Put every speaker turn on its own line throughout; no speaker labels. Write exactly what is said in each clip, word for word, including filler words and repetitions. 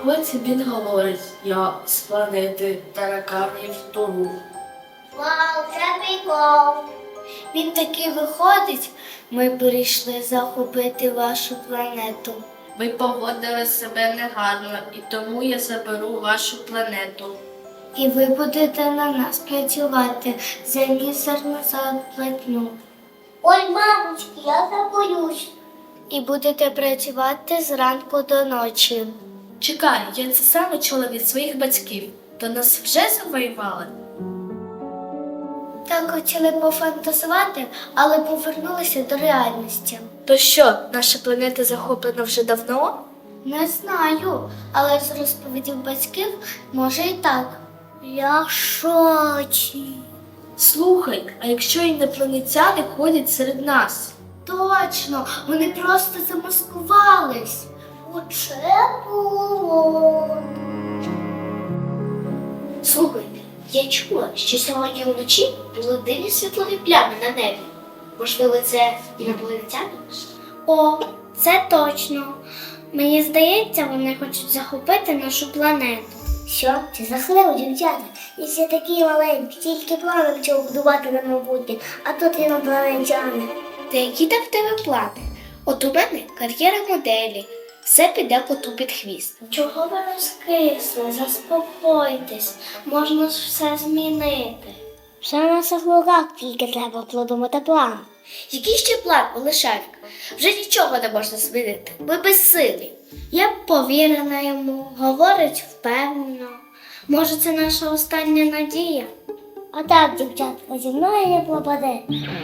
потім він говорить, я з планети тараканів Туру.
Вау, це прикол. Він таки виходить, ми прийшли захопити вашу планету.
Ви поводили себе негарно, і тому я заберу вашу планету.
І ви будете на нас працювати за мізерну зарплатню. Ой, мамочки, я забоюсь. І будете працювати зранку до ночі.
Чекай, я це саме чула від своїх батьків. То нас вже завоювали?
Так хотіли пофантазувати, але повернулися до реальності.
То що, наша планета захоплена вже давно?
Не знаю, але з розповідів батьків може і так. Я в шоці.
Слухай, а якщо інопланетяни ходять серед нас?
Точно, вони просто замаскувались. Оце було. Слухай, я чула, що сьогодні вночі були дивні світлові плями на небі. Можливо, це інопланетяни? О, це точно. Мені здається, вони хочуть захопити нашу планету. Що? Це жахливо, дівчата. І всі такі маленькі, тільки плани почали будувати на майбутнє, а тут інопланетяни. Та які там в тебе плани? От у мене кар'єра моделі. Все піде коту під хвіст. Чого ви розкисли? Заспокойтесь. Можна ж все змінити. Все на наших руках, тільки треба продумати план. Який ще план, Олешарик? Вже нічого не можна змінити. Ми безсилі. Я б повірена йому, говорить впевнено. Може, це наша остання надія? А так, дівчатка, зі мною не пропаде.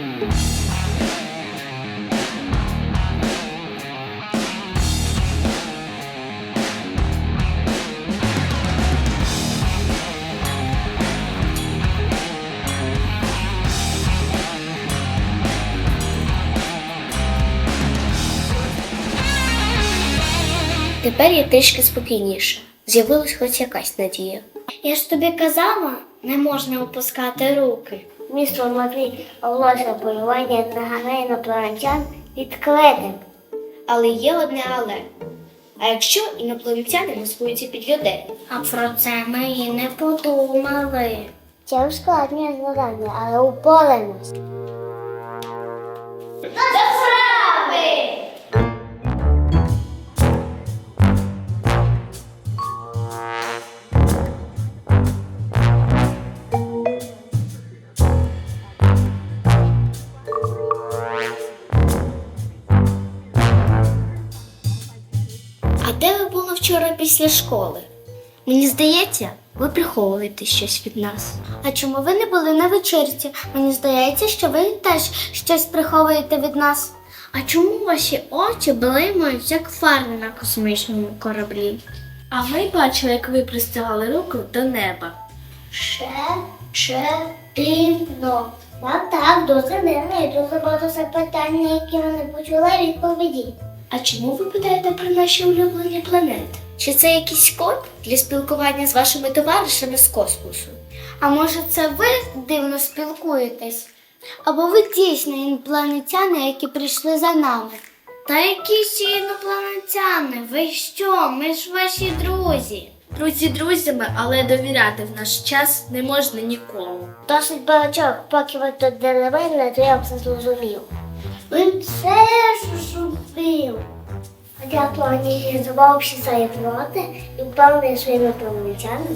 Тепер я трішки спокійніше. З'явилась хоч якась надія. Я ж тобі казала, не можна опускати руки. Містер Матвій оголосив полювання на гане інопланетян відкритим. Але є одне але. А якщо інопланетяни маскуються під людей? А про це ми і не подумали. Це ускладнює завдання, але упораємось. До справи! А де ви були вчора після школи? Мені здається, ви приховуєте щось від нас. А чому ви не були на вечірці? Мені здається, що ви теж щось приховуєте від нас. А чому ваші очі блимають, як фари на космічному кораблі?
А ми бачили, як ви простягали руку до неба.
Ще, ще, дивно. Так, так, дуже дивно і дуже багато запитань, на які ми не почули відповіді.
А чому ви питаєте про наші улюблені планети?
Чи це якийсь код для спілкування з вашими товаришами з космосу? А може це ви дивно спілкуєтесь? Або ви дійсно інопланетяни, які прийшли за нами? Та які ще інопланетяни? Ви що? Ми ж ваші друзі.
Друзі друзями, але довіряти в наш час не можна нікому.
Досить багатьох, поки ви тут для мене, то я все зрозумів. Ви все зрозумів. А я планував всі свої плоти і впевнений своїми планетянами.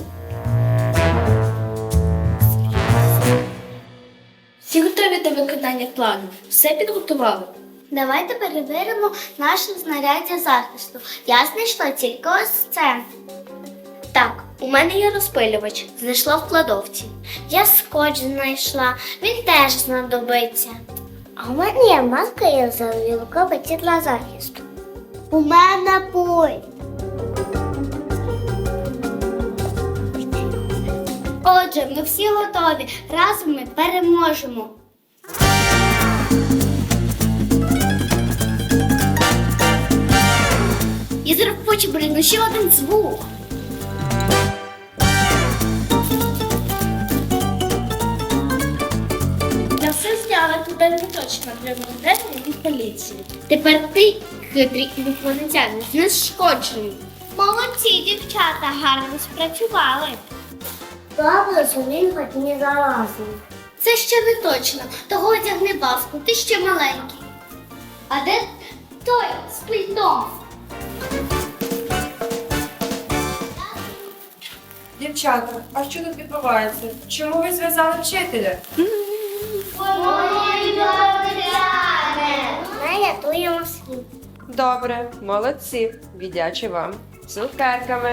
Всі готові до виконання плану? Все підготували?
Давайте перевіримо наше знаряддя захисту. Я знайшла тільки ось це. Так, у мене є розпилювач. Знайшла в кладовці. Я скотч знайшла. Він теж знадобиться. А у мене є маска і озерові рукавиці для захисту. У мене пульт. Отже, ми всі готові. Разом ми переможемо. І зараз поче, блін, ну ще один звук.
Я все зняла, туди не точно для моделі від поліції.
Тепер ти, хитрий інопланетянин, знешкоджений. Молодці, дівчата, гарно спрацювали. Добре, що він хоч не залазив. Це ще не точно. Того одягни баску, ти ще маленький. А де той з пультом?
Дівчата, а що тут відбувається? Чому ви зв'язали вчителя?
Ми рятуємо світ.
Добре, молодці. Віддячу вам. Цукерками.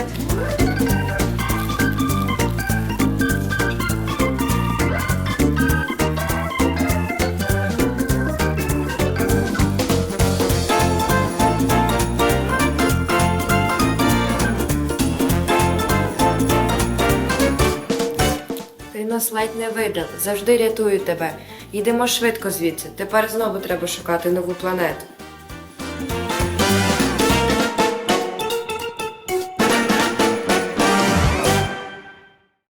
Ти нас ледь не видав. Завжди рятую тебе. Йдемо швидко звідси. Тепер знову треба шукати нову планету.